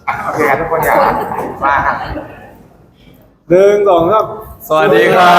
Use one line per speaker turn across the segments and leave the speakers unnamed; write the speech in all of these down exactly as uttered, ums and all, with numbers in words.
โอเคทุกคนอยากมาครับ
หนึ่งสองสาม
สวัสดีครับ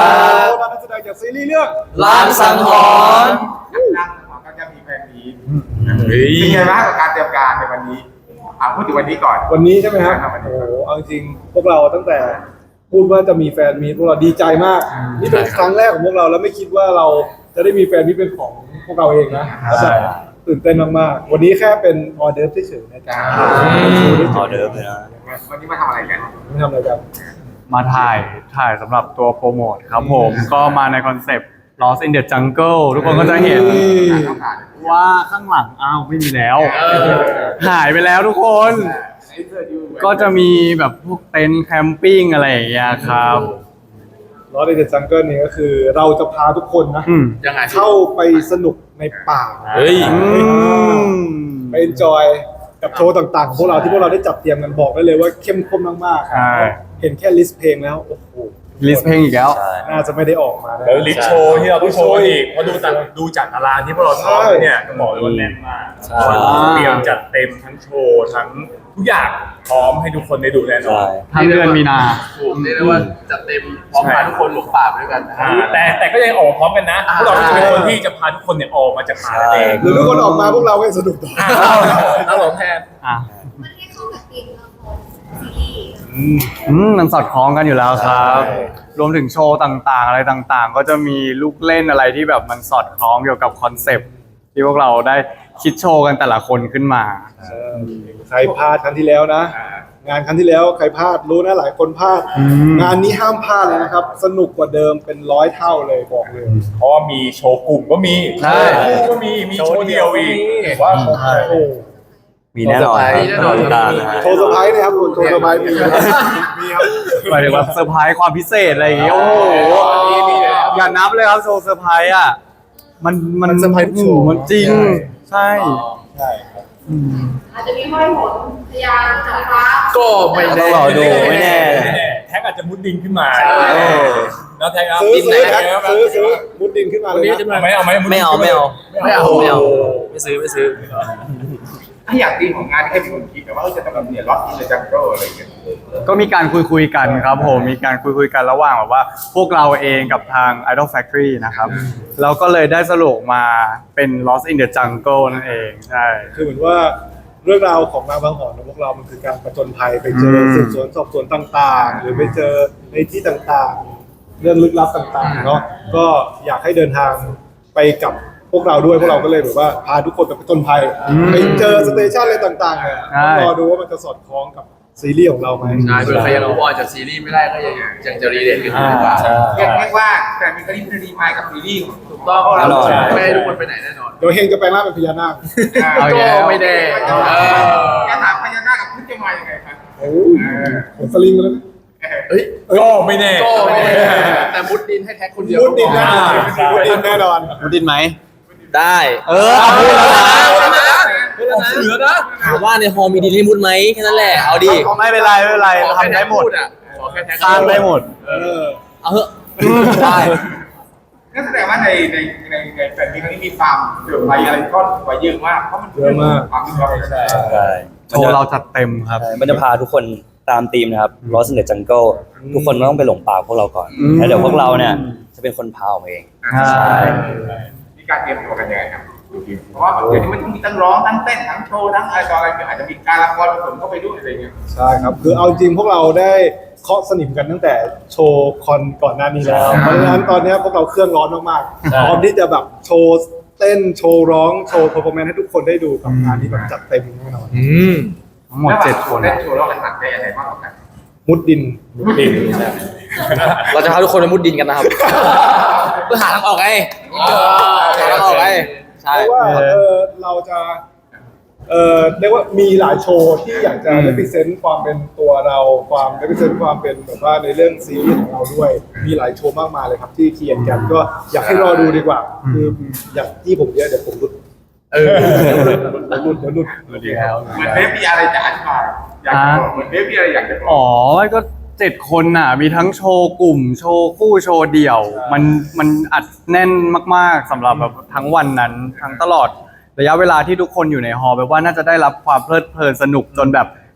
เรานักแสดงจากซีรีส์เรื่อง
ล้างสังหรณ์
นั่งของก็จะมีแฟนมีเป็นไงบ้างกับการเตรียมการในวันนี้อ่าพูดถึงวันนี้ก่อน
วันนี้ใช่ไหมครับ
ใช่ครับวันนี้
โอ้โหเอาจริงพวกเราตั้งแต่พูดว่าจะมีแฟนมีตพวกเราดีใจมาก นี่เป็นครั้งแรกของพวกเราแล้วไม่คิดว่าเราจะได้มีแฟนมีตเป็นของพวกเราเองนะใช่ตื่นเต้นมากๆวันนี้แค่เป็นออเดิร์ฟเฉยๆนะจ๊ะ
ออเดิร์ฟเลยนะ
วันนี้มาทำอะไรกัน
ไม่ทำอะไรกัน
มาถ่ายถ่ายสำหรับตัวโปรโมทครับผม ก็มาในคอนเซปต์ Lost in the Jungle ทุกคนก็จะเห็น
ต้องการ
ว่าข้างหลังอ้าวไม่มีแล้ว หายไปแล้วทุกคน ก็จะมีแบบพวกเต็นท์แคมปิ้งอะไรอย่างเงี้ยครับ
ลอสเดอะจังเกิลนี่ก็คือเราจะพาทุกคนนะ
อืม
ยังไง
เข้าไปสนุกในป่า
เฮ้ย
อืม
ไปเอนจอยกับโชว์ต่างๆของพวกเราที่พวกเราได้จัดเตรียมกันบอกได้เลยว่าเข้มข้นมาก
ใช่
ๆเห็นแค่ลิสต์เพลงแล้วโอ้โห
ลิสต์เพลงอีกแล้ว
ใช่
น่าจะไม่ได้ออกมานะ
แล้วลิสต์โชว์ที่เราต้องโชว์อีกเพราะดูจากดูจากตารางที่พวกเราซ้อมเนี่ยก็บอกเลยว่าแน่นมาก
ใช่
เตรียมจัดเต็มทั้งโชว์ทั้งทุกอย่างพร้อมให้ทุกคนได้ดูแน่นอ
ใช่
น
ทั้งเดือนมีนา
ถูกเรียกได้ว่าจัดเต็มพร้อมพาทุกคนหลงป่าไปด้วยกันนะ
อ่าแต่แต่ก็ยังออกมาพร้อมกันนะพวกเราก็จะเป็นคนที่จะพาทุกคนเนี่ยออกมาจากป่านั่นเอง
หรือทุกคนออกมาพวกเราก็สนุกต่อ
แล้วหลงแทน
อ่ะ
มันให้เข้ากับธีมละครซีรีส์
อืมมันสอดคล้องกันอยู่แล้วครับ รวมถึงโชว์ต่างๆ อะไรต่างๆ ก็จะมีลูกเล่นอะไรที่แบบมันสอดคล้องเกี่ยวกับคอนเซปต์ที่พวกเราได้คิดโชว์กันแต่ละคนขึ้นมา
ใครพลาดครั้งที่แล้วนะ งานครั้งที่แล้วใครพลาดรู้นะหลายคนพลาด
ม
งานนี้ห้ามพลาดเลยนะครับ สนุกกว่าเดิมเป็นร้อยเท่าเลยบอกเลย
เพราะว่ามีโชว์กลุ่มก็มี
ใช่
โชว์คู่ก็มีมีโชว์เดียวอีกว่า
โอ้โห
มีแน่นอนครับ
มีแน่นอน
ติดตามนะฮะ
โชว์เซอร์ไพรส์นะครับโชว์เซอร์ไพรส์มีครับมีครับ
หมายถึงว่าเซอร์ไพรส์ความพิเศษอะไรอย่างเงี้ยโอ้โหอย่านับเลยครับโชว์เซอร์ไพรส์อ่ะมันมัน
มันเซอร์ไพรส์ทุกโชว์
มันจริง ใช่
ใช่ครับ
อาจจะมีห้อยโหนพยานจากฟ้า
ก็ไม่
ต้
แน่
องรอดูไม่แน่
แท็กอาจจะมุดดินขึ้นมา
เออ
แล้วแท็กครับ
ซื้อ
ดินไหน
ซื้อครับ
ครับ
ซื้อซื้อมุดดินขึ้นมาเลยนะ
เอาไหมเอาไหมดดิน
ไม่เอาไม่เอา
ไม่เอา
ไม่เอาไม่ซื้อไม่ซื้อ
ถ้าอยากตีมของงานให้เป็นคนคิดแต่ว่าจะต้องแบบเนี่ยล็อกอินเดอะจังเกิลอะไรอย่างเงี้ย
ก็มีการคุยคุยๆกันครับผม มีการคุยคุยๆกันระหว่างแบบว่า พวกเราเองกับทาง Idol Factory นะครับ แล้วก็เลยได้สรุปมาเป็น Lost in the Jungle นั่นเอง ใช่
คือเหมือนว่าเรื่องราวของนางบางหอนของพวกเรามันคือการประจนภัยไปเจอ
อืม
สืบสวนสอบสวนต่างๆ หรือไปเจอในที่ต่างๆ เรื่องลึกลับต่างๆเนาะก็อยากให้เดินทางไปกับพวกเราด้วยพวกเราก็เลยแบบว่าพาทุกคนไปประจนภัยไปเจอสเตชันอะไรต่างๆเนี่ยต้องรอดูว่ามันจะสอดคล้องกับซีรีส์ของเราไหม
ใช่เผื่อใครยังรู้ว่าจากซีรีส์ไม่ได้ก็ยังยังจะรีเลทกันอยู่ดีกว่า
เรียกเรียกว่าแต่มีคดีคดีพายกับซีรีส์ของ
ถูกต้องเพราะเรา
แน่นอน
ไม่ให้ทุกคนไปไหนแน่นอน
เดี๋ยวเฮงจะแปลงร่างเป็นพญานาค
เอาอีก
ก็
แล้ว
ไม่แน่
จะ
เออ
ถามพญานาคกับพุทธจะมายังไงครับ
โอ้ยผมสลิงมาแล้วนะ
เฮ้ย
ก็ไม่แน่
ก็ไม่แน่แต่มุดดินให้แท็กคนเดียว
มุดดินแน่นอน
ใช่
มุดดินแน่นอน
มุดดินไหม ได้
เออเอาพูดแล้วนะ
เหลือนะ
ถามว่าในฮอลมีดินให้มุดไหมแค่นั้นแหละ เอาดิ
ไม่เป็นไรไม่เป็นไร
ขอแค่
ทำ
แท็
ได้
ก
หมด
พูดอ่ะขอแค่แท็ก
สร้างได้หมด
เออ
เอาเถอะได้
นั่นแสดงว่าในในในในแฟนมีครั้งนี้มีความเดือดไปอะไรก็ไว้เยอะมากเพราะมัน
เยอะมาก
ความที่เราเป็น
ใช่
โชว์เราจัดเต็มครับ
ใช่มันจะพาทุกคนตามธีมนะครับ Lost in the Jungle ทุกคนต้องไปหลงป่าพวกเราก่อน
อืม
แล้วเดี๋ยวพวกเราเนี่ยจะเป็นคนพาออกมาเอง
ใช่
มีการเตรียมตัวกันยังไงครับเพราะว่าเดี๋ยวนี้มันต้องมีทั้งร้องทั้งเต้นทั้งโชว์ทั้งอะไรต่ออะไรอาจจะมีการละครผสมเข้าไปด้วยอะไรเงี้ย
ใช่ครับ คือเอาจริงพวกเราได้เคาะสนิมกันตั้งแต่โชว์คอนก่อนหน้านี้แล้ว เพราะฉะนั้นตอนนี้พวกเราเครื่องร้อนมากๆพร้อมที่จะแบบโชว์เต้นโชว์ร้องโชว์เพอร์ฟอร์แมนซ์ให้ทุกคนได้ดูกับงานที่แบบจัดเต็มแน่นอน
ทั้งหมดเจ็ดคน
เล่นโชว์แล้วกันหนักได้ยังไงบ้างกัน
มุดดิน
ดิน
เราจะพาทุกคนไปมุดดินกันนะครับ เพื่อหาทางออกไงหาทางออกไงใช่
เพราะว่าเออเราจะเออเรียกว่ามีหลายโชว์ที่อยากจะ represent ความเป็นตัวเราความ represent ความเป็นแบบว่าในเรื่องซีรีส์ของเราด้วย มีหลายโชว์มากมายเลยครับที่เขียนกันก็อยากให้รอดูดีกว่า คืออยากที่ผมเยอะเดี๋ยวผมหลุด
เออ
เดี๋ยวหลุดเดี๋ยวหลุด
เหมือนเบฟมีอะไรจะอธิบายอยากจะบอกเหมือนเบฟมีอะไรอยากจะบอก
อ๋อก็เจ็ดคนน่ะ มีทั้งโชว์กลุ่ม โชว์คู่โชว์เดี่ยว มันมันอัดแน่นมากๆสำหรับแบบทั้งวันนั้น ทั้งตลอดระยะเวลาที่ทุกคนอยู่ในฮอลล์แบบว่าน่าจะได้รับความเพลิดเพลินสนุกจนแบบ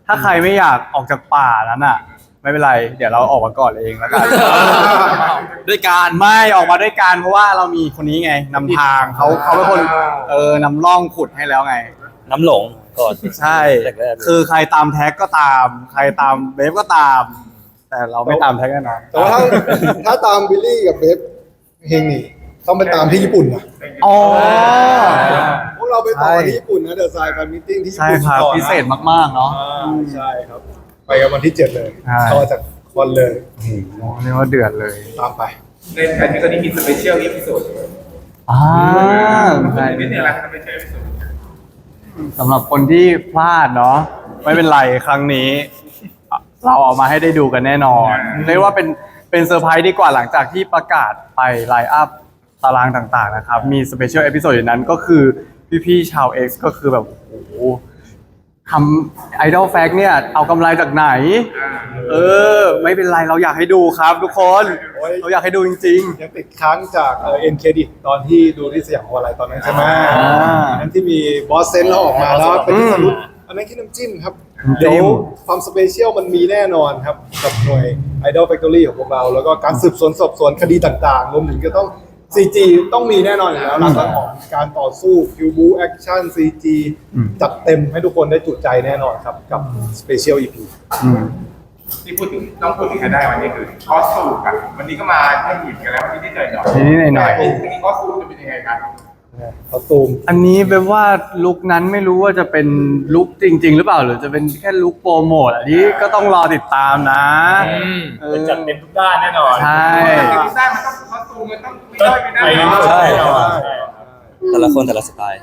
ถ้าใครไม่อยากออกจากป่านั้นอ่ะ ไม่เป็นไร เดี๋ยวเราออกมาก่อนเองแล้วกัน
ด้วยการ
ไม่ออกมาด้วยกันเพราะว่าเรามีคนนี้ไงนำทางเขาเขาเป็นคนเออนำร่องขุดให้แล้วไง
น้ำหลงก่อน
ใช่
แรกๆ
คือใครตามแท็กก็ตาม ใครตามเบฟก็ตาม แต่เราไม่ตามแท็กแน่นอน
แต่ว่าถ้าถ้าตามบิลลี่กับเบฟเฮงนี่ต้องไปตามที่ญี่ปุ่นนะ
อ๋อ
พวกเราไปต่อที่ญี่ปุ่นนะเดอะไซน์แฟนมิทติ้งที่ญี่
ใช่
ปุ่น
ครับ
ก่อนนะ
พิเศษมากๆเนาะ
อ่าใช่ครับ ไปกันวันที่เจ็ดเลย
ใช่
ต่อจากคอนเลย
เรียกว่าเดือดเลย
ตามไป
ในแผนที่ตอนนี้มีสเปเชียลอีพิโซด
อ่า
ใช่
ใช่
นี่เนี่ยอะไรสเปเชียลอีพิโซด
สำหรับคนที่พลาดเนาะไม่เป็นไรครั้งนี้ เราเอามาให้ได้ดูกันแน่นอนเรียกว่าเป็นเป็นเซอร์ไพรส์ดีกว่าหลังจากที่ประกาศไปไลน์อัพตารางต่างๆนะครับ มีสเปเชียลเอพิโซดอย่างนั้นก็คือพี่ๆชาว X ก็คือแบบโอ้โหทำไอดอลแฟกเนี่ย เอากำไรจากไหน เออ ไม่เป็นไรเราอยากให้ดูครับทุกคน
โอ้ย
เราอยากให้ดูจริง
ยังติดค้างจากเอ็นเครดิตตอนที่ดูที่สยามออนไลน์ตอนนั้นใช่ไหม
อ่า
อันนั้นที่มีบอสเซนเราออกมาแล้วเป็นที่สรุปอันนั้นแค่น้ำจิ้มครับ
น้ำจิ้ม
เดี๋ยวความสเปเชียลมันมีแน่นอนครับ กับหน่วย Idol Factory ของพวกเรา แล้วก็การสืบสวนสอบสวนคดีต่างๆ รวมถึงก็ต้อง ซี จี ต้องมีแน่นอนอยู่แล้วหลักๆของการต่อสู้คิวบูแอคชั่น ซี จี
อืม
จัดเต็มให้ทุกคนได้จุใจแน่นอนครับ กับสเปเชียล อี พี
ๆอืม
ที่พูดถึงต้องพูดถึงให้ได้วันนี้คือคอสตูมกันวันนี้ก็มาให้หยิบกันแล้ววันนี้ได้เจอหน่อย
นิดๆหน่อยๆ
แต่วันนี้คอสตูมจะเป็นยังไงกัน
คอสตูม
อันนี้เป็นว่าลุคนั้นไม่รู้ว่าจะเป็นลุคจริง ๆ หรือเปล่าหรือจะเป็นแค่ลุคโปรโมทอันนี้ก็ต้องรอติดตามนะเออ
จัดเต็มทุกด้านแน่นอน
ใช่
แต่ที่ได้มันต้องคอสตูมมันต้องไม่ได้ไม่ได้
ใช่
แต่ละคนแต่ละสไตล์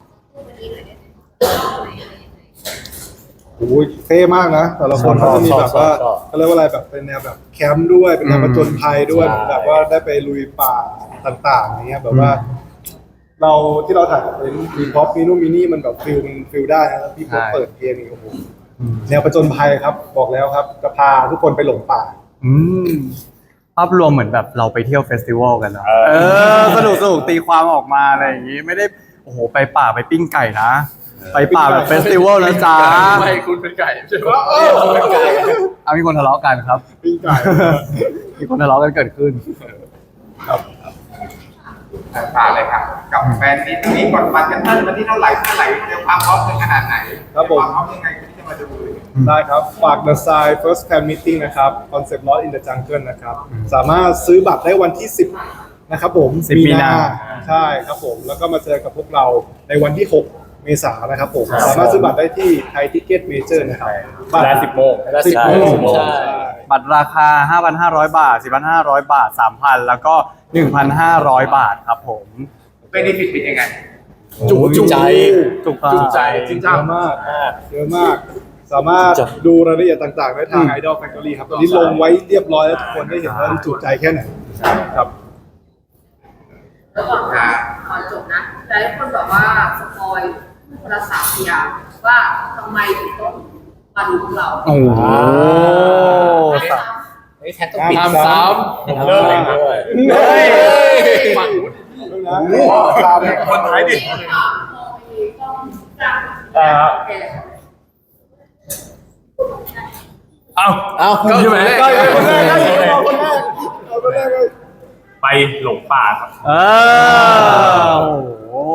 โอ้ยเท่มากนะ แต่ละคนเขาจะมีแบบว่าเขาเรียกว่าอะไรแบบเป็นแนวแบบแคมป์ด้วยเป็นแนวผจญภัยด้วย
ใช่
แบบว่าได้ไปลุยป่าต่างๆอย่างเงี้ยแบบว่า เราที่เราถ่ายเป็นมีพ็อปมีนู่นมีนี่มันแบบฟิลมันฟิลได้นะพี่พ็อป
ใช่
เปิดเพลงนี่โอ้โหแนวผจญภัยครับบอกแล้วครับจะพาทุกคนไปหลงป่า
อืมภาพรวมเหมือนแบบเราไปเที่ยวเฟสติวัลกันเนาะเออสนุกสนุกตีความออกมาอะไรอย่างงี้ ไม่ได้โอ้โหไปป่าไปปิ้งไก่นะ ไปป่าแบบเฟสติวัลนะจ๊ะ
ไม่คุณเป็นไก่ใช่ไหม
เอามีคนทะเลาะกันครับ
ปิ้งไก่
มีคนทะเลาะกันเกิดขึ้น
ผ่านเลยครับกับแฟนที่ตรงนี้กดบัตรกันเท่าวันที่เท่าไหร่เท่าไหร่เตรียมความพร้อมกันขนาดไหน
ครับผม
ความพร้อมยังไงที่จะมาดู
ได้ครับ ฝาก The Sign First Fan Meeting นะครับ Concept Lost in the Jungle นะครับ สามารถซื้อบัตรได้วันที่ สิบ นะครับผม
สิบมีนา
ใช่ครับผม แล้วก็มาเจอกับพวกเราในวันที่ หก เมษายนนะครับผม สามารถซื้อบัตรได้ที่ไทยทิเก็ตเมเจอร์นะครับ
เวลาสิบโมง
เวลาสิบโมง
ใช่
ใช่
บัตรราคา ห้าพันห้าร้อย บาท สี่พันห้าร้อย บาท สามพัน แล้วก็ หนึ่งพันห้าร้อย บาทครับผม
เป็นดีฟิตเป็นยังไง
จุจุใจ
จุก
จุใจ
จริงจัง
เยอะมากเยอะมาก สามารถดูรายละเอียดต่างๆ ได้ทาง Idol Factory ครับ ตอนนี้ลงไว้เรียบร้อยแล้วทุกคนได้เห็นว่าจุใจแค่ไหนครับ
แล้วก่อนก่อนจบนะแต่ทุกคนบอกว่าสปอยภาษาพยางค์ว่าทำไมถึงต้องมาดูพวกเรา
โอ้โห
ไม่ซ้
ตามซ้
ผมเริ่มเองด้วย
เฮ้ย
ฝั่งนู้น
คนท้ายดิ
ำไม่ค่ะมองไปต้องจับ
อ่า
โอเค
เอ้า
เอ้าก็ใช่ไหม
ได้เลยคนแรกได้เลยเอาคนแรกเอาคนแรกเลย
ไปหลงป่าครับ
เออโอ้โห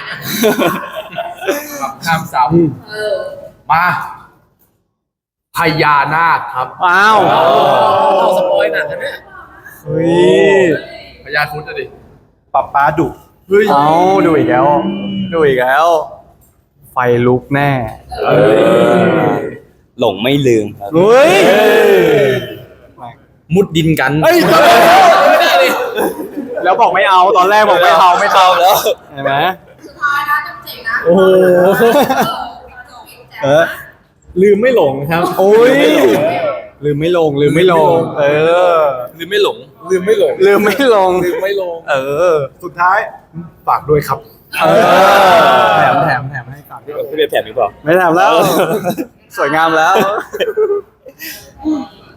ข้ามซ้
เออ
ำมาพญานาคครับ
อ้าว
เราสปอยหนักกันเนี่ย
เฮ้ย
พญาครุฑจะดิ
ปับป้าดุ
เอาดูอีกแล้ว ดูอีกแล้ว ไฟลุกแน่
หลงไม่ลืมครับ
เฮ้ย
มุดดินกัน
เฮ้ย แล้วบอกไม่เอาตอนแรกบอกไม่เอาไม่เอา
แล้ว
เห็นไหม
สุดท้ายนะจำเจ๋งนะ
โอ้โห
เออ
ลืมไม่หลงครับ
โอ้ยลืมไม่ลงลืมไม่ลง เออ
ลืมไม่หลง
ลืมไม่หลง
ลืมไม่ลง
ลืมไม่ลง
เออ
สุดท้ายฝากด้วยครับ
เออแถมแถมแถมให้ก่อน
พี่เบลแถมหรือเปล่า
ไม่แถมแล้ว สวยงามแล้ว